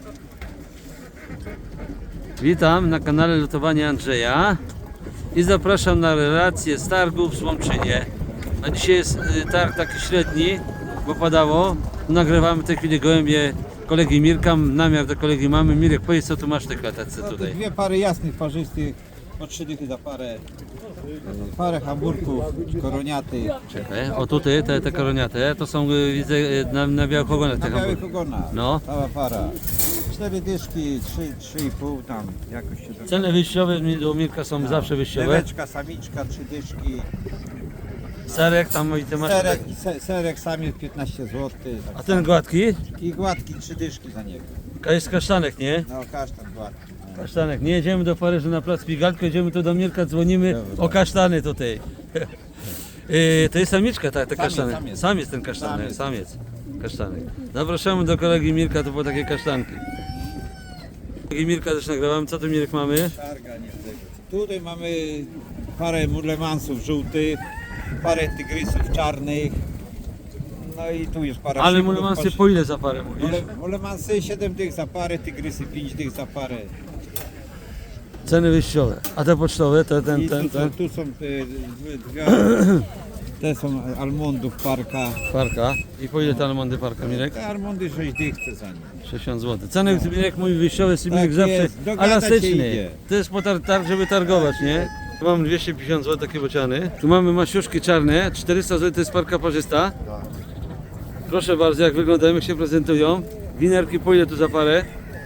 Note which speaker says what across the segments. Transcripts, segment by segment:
Speaker 1: Witam na kanale Lotowania Andrzeja i zapraszam na relację z targów w Słomczynie. A dzisiaj jest targ taki średni, bo padało. Nagrywamy w tej chwili gołębie kolegi Mirka, namiar do kolegi mamy. Mirek, powiedz, co tu masz w tej klatce tutaj?
Speaker 2: Dwie pary jasnych, parzystych, po 3 dychy za parę. Parę hamburków, koroniaty.
Speaker 1: Czekaj, o tutaj te koroniate, to są widzę na białych ogonach te
Speaker 2: Na białych
Speaker 1: hamburgery.
Speaker 2: ogonach,
Speaker 1: No.
Speaker 2: cała para. 4 dyszki, 3,5 tam jakoś się tam.
Speaker 1: Ceny wyjściowe do Mirka są zawsze wyjściowe.
Speaker 2: Leweczka, samiczka, 3 dyszki.
Speaker 1: Serek tam i ty masz.
Speaker 2: Serek samiec 15 zł.
Speaker 1: A ten gładki?
Speaker 2: I gładki 3 dyszki za niego.
Speaker 1: Jest kasztanek, nie?
Speaker 2: No kasztan gładki.
Speaker 1: Kasztanek. Nie jedziemy do Paryża na plac Pigalle, jedziemy tu do Mirka, dzwonimy o kasztany tutaj. To jest samiczka, tak, te kasztany. Samiec ten kasztany, samiec. Kasztanek. Zapraszamy do kolegi Mirka, to było takie kasztanki. Kolegi Mirka też nagrywamy. Co tu, Mirek, mamy?
Speaker 2: Targa nie tego. Tutaj mamy parę mulemansów żółtych, parę tygrysów czarnych. No i tu jest para.
Speaker 1: Ale
Speaker 2: szybków,
Speaker 1: mulemansy po ile za parę mówisz?
Speaker 2: Mulemansy 7 dych za parę, tygrysy 5 dych za parę.
Speaker 1: Ceny wyjściowe. A te pocztowe, ten.
Speaker 2: Tu są dwie, te są almondów parka.
Speaker 1: Parka. I po ile te almondy parka, Mirek?
Speaker 2: Te almondy 6 dych chce za nie.
Speaker 1: 60 zł. Ceny, Mirek mówi wyjściowe, jest Mirek
Speaker 2: Tak
Speaker 1: zawsze
Speaker 2: jest, dogadać się
Speaker 1: elastyczny.
Speaker 2: idzie.
Speaker 1: To jest po targ, żeby targować, nie? Tu mamy 250 zł takie bociany. Tu mamy masiuszki czarne, 400 zł to jest parka parzysta. Proszę bardzo, jak wyglądają, jak się prezentują. Winerki po ile tu za parę?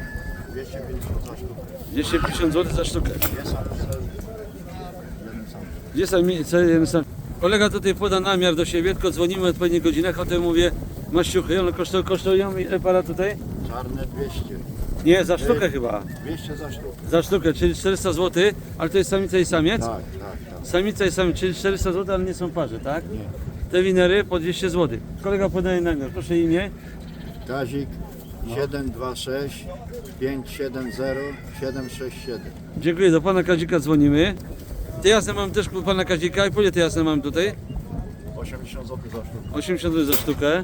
Speaker 1: 250 zł za sztukę. Gdzie sam? Kolega tutaj poda namiar do siebie, tylko dzwonimy o odpowiednich godzinach, o tym mówię maściuchy. One kosztują ile para tutaj?
Speaker 3: Czarne 200.
Speaker 1: Nie, za sztukę chyba.
Speaker 3: 200 za sztukę.
Speaker 1: Za sztukę, czyli 400 zł, ale to jest samica i samiec?
Speaker 3: Tak.
Speaker 1: Samica i samiec, czyli 400 zł, ale nie są parze, tak?
Speaker 3: Nie.
Speaker 1: Te winery po 200 zł. Kolega podaje namiar, proszę imię.
Speaker 3: Kazik 726 570 767.
Speaker 1: Dziękuję, do pana Kazika dzwonimy. Te jasne mam też u pana Kazika. I po ile te jasne mam tutaj?
Speaker 3: 80 zł za sztukę.
Speaker 1: 80 zł za sztukę.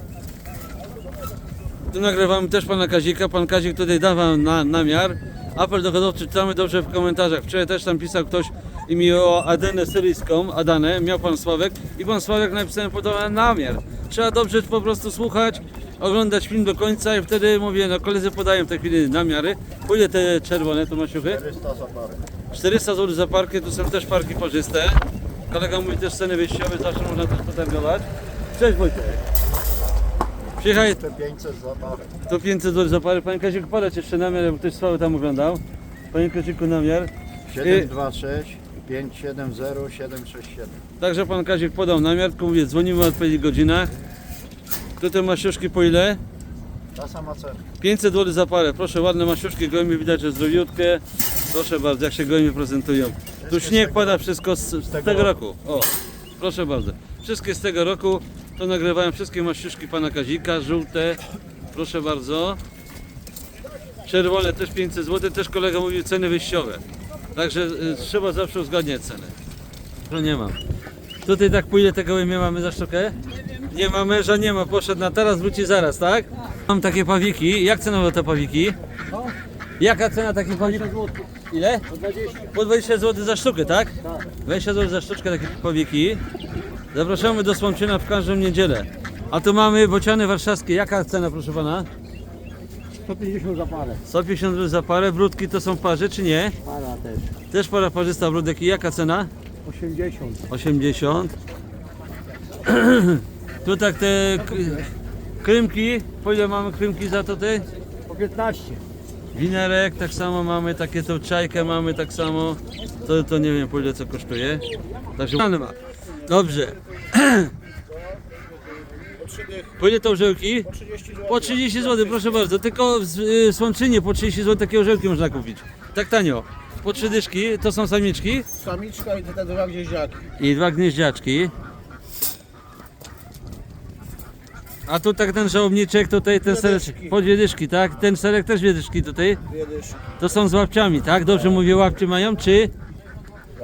Speaker 1: Tu nagrywamy też pana Kazika. Pan Kazik tutaj dawał namiar. Apel do hodowcy czytamy dobrze w komentarzach. Wczoraj też tam pisał ktoś i mi o Adenę syryjską. Adanę miał pan Sławek i pan Sławek napisał podobny namiar. Trzeba dobrze po prostu słuchać, oglądać film do końca i wtedy mówię, no koledzy podają w tej chwili namiary. Po ile te czerwone tu masiuchy?
Speaker 3: 400 za parę.
Speaker 1: 400 zł za parkę, tu są też parki parzyste. Kolega mówi też ceny wyjściowe, zawsze można też potargować. Cześć Wojtek. Przyjechaj,
Speaker 3: 500 za parę.
Speaker 1: to 500 zł za parę. Panie Kaziku, podać jeszcze namiar, bo ktoś słaby tam oglądał. Panie Kaziku, namiar.
Speaker 3: 726 570 767.
Speaker 1: Także pan Kazik podał namiar, tylko mówię, dzwonimy o odpowiednich godzinach. Tutaj masiuszki po ile?
Speaker 3: Ta sama cena.
Speaker 1: 500 zł za parę. Proszę, ładne masiuszki, gołębie widać, że zdrowiutkie. Proszę bardzo, jak się gołębie prezentują. Tu śnieg pada, wszystko z tego roku. O, proszę bardzo. Wszystkie z tego roku. To nagrywają wszystkie masiuszki pana Kazika, żółte. Proszę bardzo. Czerwone też 500 zł, też kolega mówił ceny wyjściowe. Także trzeba zawsze uzgadniać cenę. No nie mam. Tutaj tak po ile te gołębie mamy za sztukę? Nie ma męża, nie ma, poszedł na teraz, wróci zaraz, tak? Mam takie pawiki, jak cenowo te pawiki? Jaka cena takich pawików? Ile? Po 20 zł za sztukę, tak? 20 zł za sztuczkę takie pawiki. Zapraszamy do Słomczyna w każdą niedzielę. A tu mamy bociany warszawskie, jaka cena, proszę pana?
Speaker 4: 150 za parę.
Speaker 1: 150 zł za parę, brudki to są parze czy nie?
Speaker 4: Para też.
Speaker 1: Też para parzysta brudek i jaka cena?
Speaker 4: 80.
Speaker 1: 80. Tu tak te krymki, po ile mamy krymki za to ty?
Speaker 4: Po 15.
Speaker 1: Winerek tak samo mamy, takie tą czajkę mamy tak samo. To nie wiem po ile co kosztuje. Także ma. Dobrze. Po ile to orzełki? Po 30 zł, proszę bardzo. Tylko w Słomczynie po 30 zł takie orzełki można kupić. Tak tanio. Po 3 dyszki, to są samiczki.
Speaker 4: Samiczka i te dwa gnieździaki.
Speaker 1: I 2 gnieździaczki. A tu tak ten żałobniczek, tutaj ten serek, po 2 dyszki, tak? Ten serek też 2 dyszki tutaj.
Speaker 4: Dwie dyszki.
Speaker 1: To są z łapciami, tak? Dobrze mówię, łapcie mają, czy?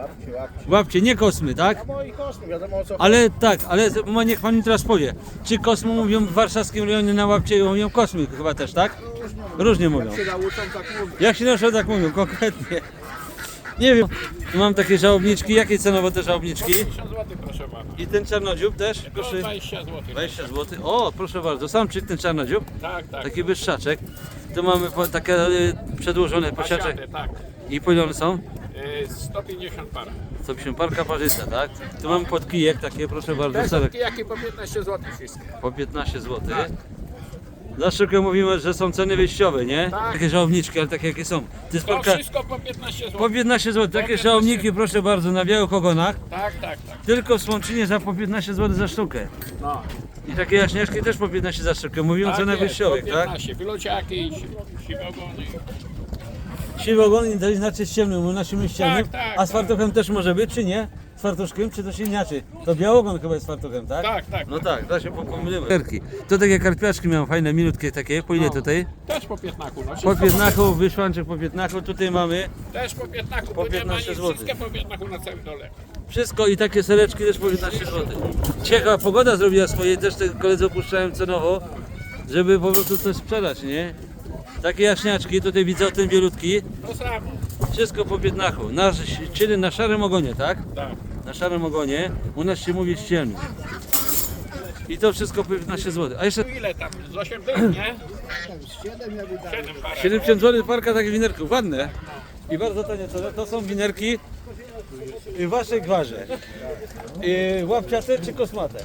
Speaker 1: Łapcie, nie kosmy, tak?
Speaker 4: No i kosmy, wiadomo o co.
Speaker 1: Ale tak, ale niech pan mi teraz powie. Czy kosmy mówią w warszawskim rejonie na łapcie, mówią kosmy chyba też, tak? Różnie mówią.
Speaker 4: Jak się nauczą, tak mówią.
Speaker 1: Jak się nasze tak mówią, konkretnie. Nie wiem. Tu mam takie żałobniczki. Jakie cenowo te żałobniczki?
Speaker 5: 50 zł proszę pana.
Speaker 1: I ten czarnodziób też? Proszę.
Speaker 5: 20 zł.
Speaker 1: 20 zł. O, proszę bardzo. Sam czy ten czarnodziób?
Speaker 5: Tak, tak.
Speaker 1: Taki wyższaczek. Tu mamy takie przedłożone posiaczek.
Speaker 5: Pasiady, tak.
Speaker 1: I po ile one są?
Speaker 5: 150 para.
Speaker 1: 150 parka parzysta, tak? Tu mamy podkijek takie, proszę bardzo.
Speaker 5: Te
Speaker 1: Serek
Speaker 5: jakie po 15 zł wszystkie.
Speaker 1: po 15 zł. Za szybko mówimy, że są ceny wyjściowe, nie?
Speaker 5: Tak.
Speaker 1: Takie żałobniczki, ale takie jakie są. To jest
Speaker 5: To
Speaker 1: parka
Speaker 5: wszystko po 15 zł.
Speaker 1: po 15 zł. Takie
Speaker 5: 15
Speaker 1: żałobniki, proszę bardzo, na białych ogonach.
Speaker 5: Tak, tak, tak.
Speaker 1: Tylko w Słomczynie za po 15 zł za sztukę.
Speaker 5: No.
Speaker 1: I takie jaśniaczki też po 15 za sztukę. Mówią o
Speaker 5: Tak
Speaker 1: cenach
Speaker 5: jest,
Speaker 1: wyjściowych,
Speaker 5: po
Speaker 1: tak?
Speaker 5: 15. Wylociaki, siwogony.
Speaker 1: Siwy ogon to znaczy z ciemnym, u naszym ściemnym.
Speaker 5: Tak, tak,
Speaker 1: A z fartuchem też może być, czy nie? Z fartuszkiem, czy to się inaczej? To białogon chyba jest z fartuchem, tak?
Speaker 5: Tak, tak.
Speaker 1: No tak, da się pomylić. To takie karpiaczki miałem fajne, milutkie takie. Po ile tutaj?
Speaker 5: Też po 15. No,
Speaker 1: Po
Speaker 5: wszystko
Speaker 1: 15, wyszłanczek po 15. Tutaj mamy
Speaker 5: Też po 15.
Speaker 1: Po
Speaker 5: bo nie ma
Speaker 1: 15
Speaker 5: nic,
Speaker 1: zł.
Speaker 5: Wszystkie po 15 na całym dole.
Speaker 1: wszystko i takie sereczki też po 15 zł. Ciekawa pogoda zrobiła swoje, też te koledzy opuszczałem cenowo, żeby po prostu coś sprzedać, nie? Takie jaśniaczki, tutaj widzę o tym bielutki.
Speaker 5: To samo.
Speaker 1: Wszystko po 15, czyli na szarym ogonie, tak?
Speaker 5: Tak.
Speaker 1: Na szarym ogonie, u nas się mówi ścielny. I to wszystko po 15 zł. A jeszcze
Speaker 5: Ile tam? Z 8 dych, nie? 7 para.
Speaker 1: 70 zł parka takich winerków, ładne. I bardzo tanie ceny. To są winerki w waszej gwarze. Łapciate czy kosmate?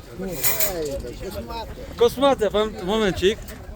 Speaker 1: Kosmate, pan, momencik.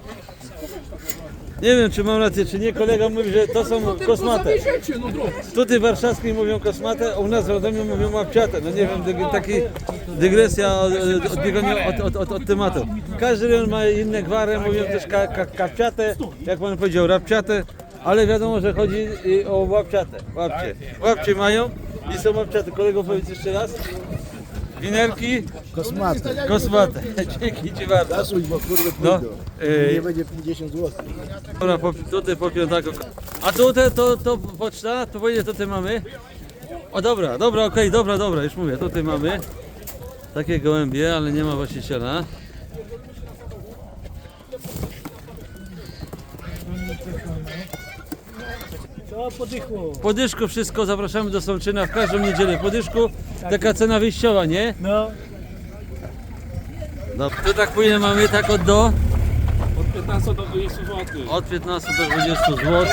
Speaker 1: Nie wiem, czy mam rację, czy nie. Kolega mówi, że to są kosmate. Tutaj w warszawskiej mówią kosmate, a u nas w Radomiu mówią łapciate. No nie wiem, taki dygresja odbiegania od tematu. Każdy rejon ma inne gwary, mówią też kapciate, jak pan powiedział, rapciate, ale wiadomo, że chodzi o łapciate. Łapcie mają i są łapciate. Kolego, powiedz jeszcze raz. Winerki kosmate. Dzięki ci bardzo.
Speaker 4: Zasuń, bo kurde
Speaker 1: No,
Speaker 4: nie będzie 50 zł.
Speaker 1: dobra, tutaj po piątaku. A tutaj to poczta, to powiedzieć, tutaj mamy. O dobra, okej, dobra, już mówię, tutaj mamy takie gołębie, ale nie ma właściciela.
Speaker 4: Co podychło?
Speaker 1: Po dyszku wszystko, zapraszamy do Sączyna w każdą niedzielę. Po dyszku taka cena wyjściowa, nie?
Speaker 4: No.
Speaker 1: No, to tak później mamy tak od do?
Speaker 5: Od 15 do 20 zł.
Speaker 1: Od 15 do 20 zł.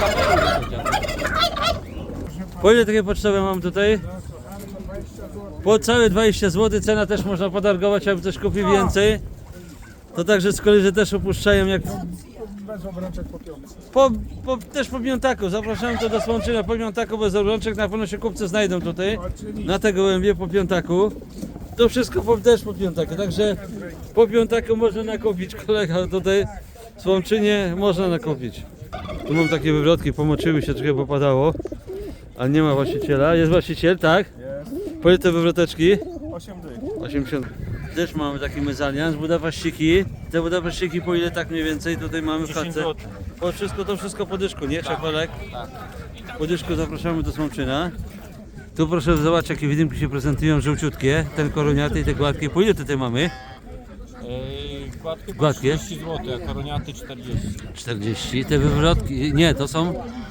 Speaker 1: Po ile takie pocztowe mam tutaj? Po całe 20 zł, cena też można podargować, jakby ktoś kupił więcej. To także z kolei, że też opuszczają jak...
Speaker 4: Bez obrączek po piątce.
Speaker 1: Też po piątaku, zapraszam to do Słomczyna po piątaku bez obrączek, na pewno się kupcy znajdą tutaj, na te gołębie po piątaku. To wszystko też po piątaku, także po piątaku można nakupić, kolega tutaj w Słomczynie można nakupić. Tu mam takie wywrotki, pomoczyły się, trochę popadało, ale nie ma właściciela. Jest właściciel, tak? Jest. Po ile te wywroteczki?
Speaker 4: 8 dych.
Speaker 1: 80. Też mamy taki mezalians, budapeszciki. Te budapeszciki po ile tak mniej więcej tutaj mamy w chatce? To wszystko po dyszku, nie? Czekolek? Tak. Po dyszku zapraszamy do Słomczyna. Tu proszę zobaczyć, jakie widymki się prezentują, żółciutkie. Ten koroniaty i te gładkie. Po ile tutaj mamy? Gładkie?
Speaker 5: 30 zł, a koroniaty 40.
Speaker 1: 40. Te wywrotki, nie, to są...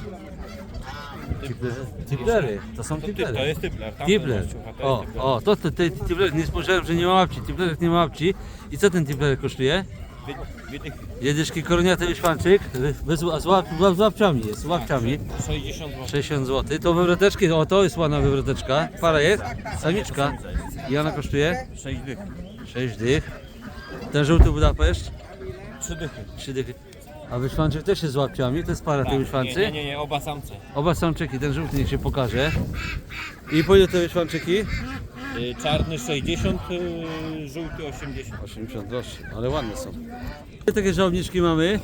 Speaker 1: Tiplery. To są tiplery.
Speaker 5: To jest typler.
Speaker 1: Tipler. O, to tipler, nie spojrzałem, że nie ma łapci. Tiplerek nie ma łapci. I co ten tiplerek kosztuje? Jedyszki koroniaty wyświanczyk, z łapciami jest, z łapciami.
Speaker 5: 60 zł.
Speaker 1: 60 zł. To wywroteczki, o to jest ładna wywroteczka. Para jest, samiczka. I ona kosztuje?
Speaker 5: 6 dych.
Speaker 1: 6 dych. Ten żółty Budapeszt?
Speaker 5: 3 dychy.
Speaker 1: 3 dychy. A wyświanczyk też jest z łapciami, to jest para tej wyświancy.
Speaker 5: Nie, oba samce.
Speaker 1: Oba samczyki, ten żółty niech się pokaże. I po ile te wyświanczyki?
Speaker 5: Czarny 60, żółty 80.
Speaker 1: 80 groszy, ale ładne są. Ile takie żałobniczki mamy?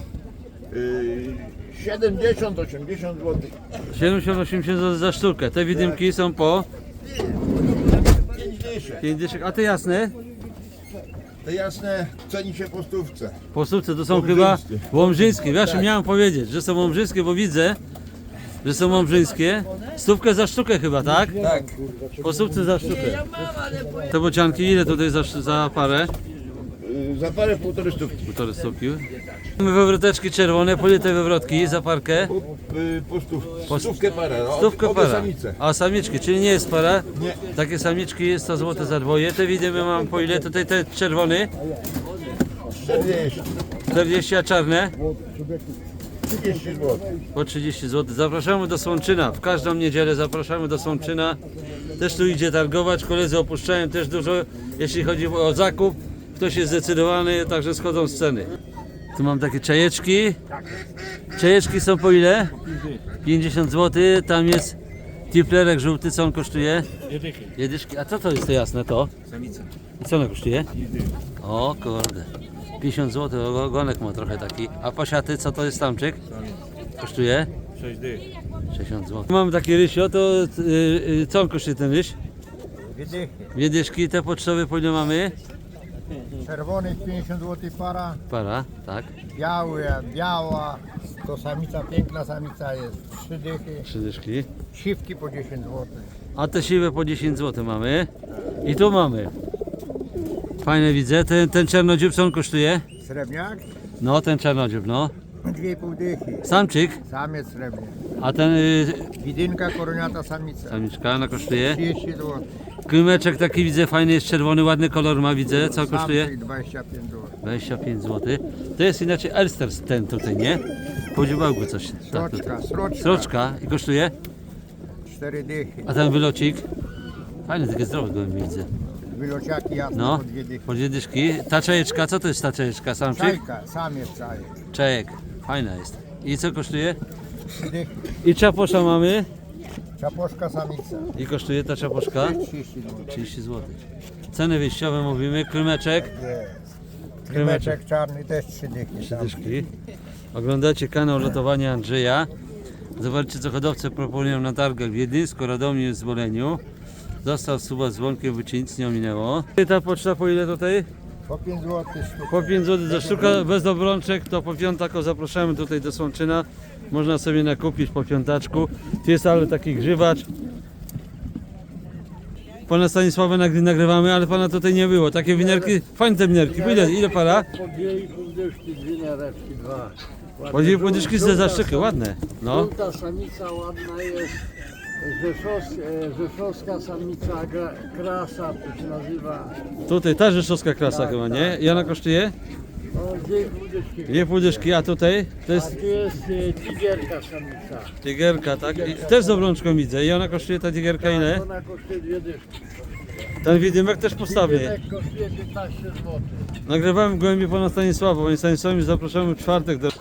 Speaker 3: 70-80 zł.
Speaker 1: 70-80 zł za sztukę. Te widymki są po 5 dyszek. A te jasne?
Speaker 3: Te jasne ceni się po stówce.
Speaker 1: Po stówce to są chyba łomżyńskie. Właśnie miałem powiedzieć, że są łomżyńskie, bo widzę. że są mąbrzyńskie. Stówkę za sztukę chyba, tak?
Speaker 2: Tak.
Speaker 1: Po stówce za sztukę. Te bocianki ile tutaj za parę?
Speaker 3: Za parę półtorej stówki.
Speaker 1: Półtorej stówki. Mamy wywroteczki czerwone, po ile te wywrotki za parkę?
Speaker 3: Po stówkę parę. No,
Speaker 1: Stówkę
Speaker 3: obie
Speaker 1: para.
Speaker 3: samice.
Speaker 1: A samiczki, czyli nie jest para?
Speaker 3: Nie.
Speaker 1: Takie samiczki 100 zł za dwoje. Te widzimy mam po ile? Tutaj te czerwony
Speaker 3: 40.
Speaker 1: 40, a czarne
Speaker 3: 30 zł.
Speaker 1: po 30 zł. Zapraszamy do Słomczyna. W każdą niedzielę zapraszamy do Słomczyna. Też tu idzie targować. Koledzy opuszczają też dużo, jeśli chodzi o zakup. Ktoś jest zdecydowany, także schodzą z ceny. Tu mam takie czajeczki. Czajeczki są po ile? 50 zł. Tam jest tiplerek żółty. Co on kosztuje? Jedyszki. A co to jest to jasne to?
Speaker 2: Samica.
Speaker 1: I co ona kosztuje? O kurde. 50 zł. Ogonek ma trochę taki. A pasiaty co to jest tamczyk? Kosztuje? 60 zł. Mamy takie rysio, to co on kosztuje ten ryś? Wiedyszki, te pocztowe po ile mamy?
Speaker 6: Czerwonych 50 zł para,
Speaker 1: Para, tak.
Speaker 6: biała, to samica, piękna samica jest 3 dychy,
Speaker 1: 3 dyszki.
Speaker 6: siwki po 10 zł.
Speaker 1: A te siwe po 10 zł mamy. I tu mamy. Fajne widzę. Ten czarnodziób co on kosztuje?
Speaker 6: Srebrniak
Speaker 1: No, ten czarnodziób, no.
Speaker 6: 2,5 dychy,
Speaker 1: Samczyk.
Speaker 6: samiec srebrny.
Speaker 1: A ten
Speaker 6: Widynka koroniata samica,
Speaker 1: samiczka, ona kosztuje.
Speaker 6: 30 zł.
Speaker 1: Krymeczek taki widzę, fajny jest czerwony, ładny kolor ma, widzę. Co kosztuje?
Speaker 6: Samczyk 25 zł.
Speaker 1: 25 zł. To jest inaczej Elster ten tutaj, nie? Po dziubałku coś. Tak, tutaj.
Speaker 6: Sroczka,
Speaker 1: Sroczka i kosztuje?
Speaker 6: 4 dychy.
Speaker 1: A ten wylocik? Fajny, takie zdrowe gołębie widzę.
Speaker 6: Wylociaki jasne
Speaker 1: No,
Speaker 6: po 2 dychy.
Speaker 1: po dwie dyszki. Ta czajeczka, co to jest ta czajeczka? Samczyk?
Speaker 6: Czajka, samiec czajek,
Speaker 1: Czajek. Fajna jest. I co kosztuje?
Speaker 6: 3 dychy.
Speaker 1: I czaposza mamy.
Speaker 6: Czaposzka samica,
Speaker 1: I kosztuje ta czaposzka?
Speaker 6: 30 zł.
Speaker 1: 30 zł. Ceny wyjściowe mówimy. Krymeczek.
Speaker 6: Jest. Krymeczek czarny też 3 dychy.
Speaker 1: Trzy dyszki. Oglądacie kanał Lotowania Andrzeja. Zobaczcie co hodowcy proponują na targach w Wiedyńsku, Radomiu i Zboleniu. Został suba z dzwonkiem, by ci nic nie ominęło. I ta poczta po ile tutaj?
Speaker 6: Po 5 zł sztuka.
Speaker 1: Po 5 zł za sztukę, bez obrączek, to po piątaku zapraszamy tutaj do Słomczyna. Można sobie nakupić po piątaczku. Tu jest ale taki grzywacz. Pana Stanisława nagrywamy, ale pana tutaj nie było. Takie winerki, fajne te winerki. Po ile para?
Speaker 5: Po 2,5 dyszki, 2 nereczki, 2.
Speaker 1: Po 2,5 dyszki za sztukę, ładne. No.
Speaker 5: Żółta samica ładna jest. Rzeszowska samica, krasa to się nazywa.
Speaker 1: Tutaj ta rzeszowska krasa chyba, nie? I ona kosztuje?
Speaker 5: O, 2,5 dyszki.
Speaker 1: 2,5 dyszki, a tutaj to
Speaker 5: A
Speaker 1: jest
Speaker 5: tu jest tigerka samica.
Speaker 1: tigerka, tak? I też z obrączką widzę. I ona kosztuje ta tigerka ile?
Speaker 5: Ona kosztuje 2 dyszki.
Speaker 1: Ten widymek też postawny.
Speaker 5: Tymek kosztuje 15 zł.
Speaker 1: Nagrywałem gołębie pana Stanisława. Panie Stanisławie, zapraszamy w czwartek do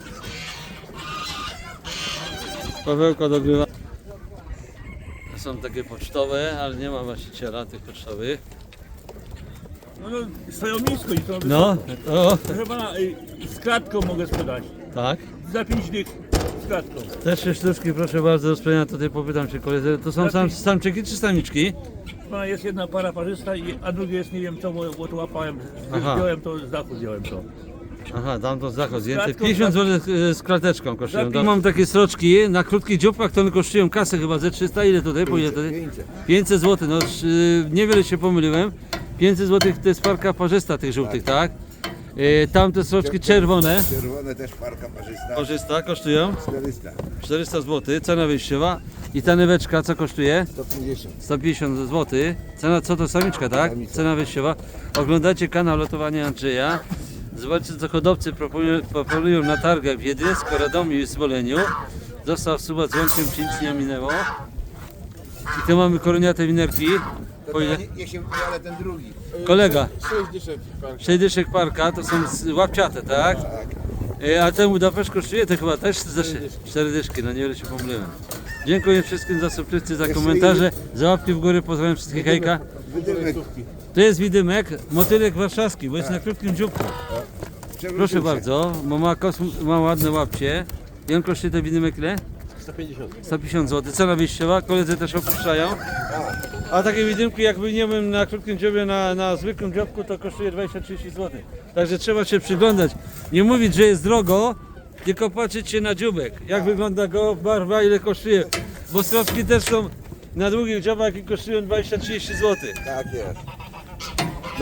Speaker 1: Pawełka dogrywa. Są takie pocztowe, ale nie ma właściciela tych pocztowych.
Speaker 4: No, stoją nisko i to
Speaker 1: No, o,
Speaker 4: proszę pana, z klatką mogę sprzedać.
Speaker 1: tak.
Speaker 4: Za 5 dych z klatką.
Speaker 1: Też 3 sztuczki, proszę bardzo, do sprzedania. Tutaj popytam się koledzy. To są samczyki czy samiczki?
Speaker 4: Proszę pana, jest jedna para parzysta, a drugie jest nie wiem co, bo to łapałem,
Speaker 1: Aha.
Speaker 4: zdjąłem to, z dachu zdjąłem to.
Speaker 1: Aha, dam to z dachu zdjęte.
Speaker 4: Klatką,
Speaker 1: 50 zł z klateczką kosztują.
Speaker 4: Za
Speaker 1: Mam takie sroczki na krótkich dzióbkach, to one kosztują kasę chyba ze 300. Ile tutaj? Po ile tutaj? 500 zł. No niewiele się pomyliłem. 500 zł to jest parka parzysta tych żółtych, tak? Tamte sroczki czerwone.
Speaker 3: Czerwone też parka parzysta.
Speaker 1: Parzysta kosztują
Speaker 3: 400.
Speaker 1: 400 zł. Cena wyjściowa. I ta nyweczka co kosztuje?
Speaker 3: 150.
Speaker 1: 150 zł. Cena co to samiczka, tak?
Speaker 3: Samica.
Speaker 1: Cena wyjściowa. Oglądacie kanał Lotowania Andrzeja. Zobaczcie co hodowcy proponują na targach w Wiedyńsku, Radomiu i Zboleniu. Został suba dzwonkiem, ci nic nie ominęło. I tu mamy koroniate winerki. Po ile?
Speaker 3: Niech się ale ten drugi.
Speaker 1: Kolega,
Speaker 3: 6 dyszek parka.
Speaker 1: 6 dyszek parka, to są łapciate, tak? A ten Budapeszt kosztuje to chyba też za 4 dyszki, no niewiele się pomyliłem. Dziękuję wszystkim za subskrypcję, za komentarze, za łapki w górę, pozdrawiam wszystkich, hejka.
Speaker 3: Wydymek.
Speaker 1: To jest widymek, motylek warszawski, bo jest na krótkim dzióbku. Proszę bardzo, bo ma ładne łapcie. I on kosztuje ten widymek ile? 150 zł. Cena wyjściowa, koledzy też opuszczają. A takie widymki jakby nie wiem na krótkim dziobie, na zwykłym dziobku to kosztuje 20-30 zł. Także trzeba się przyglądać. Nie mówić, że jest drogo, tylko patrzeć się na dzióbek, jak wygląda go, barwa, ile kosztuje. Bo srocki też są na długich dziobach i kosztują 20-30 zł.
Speaker 3: Tak jest.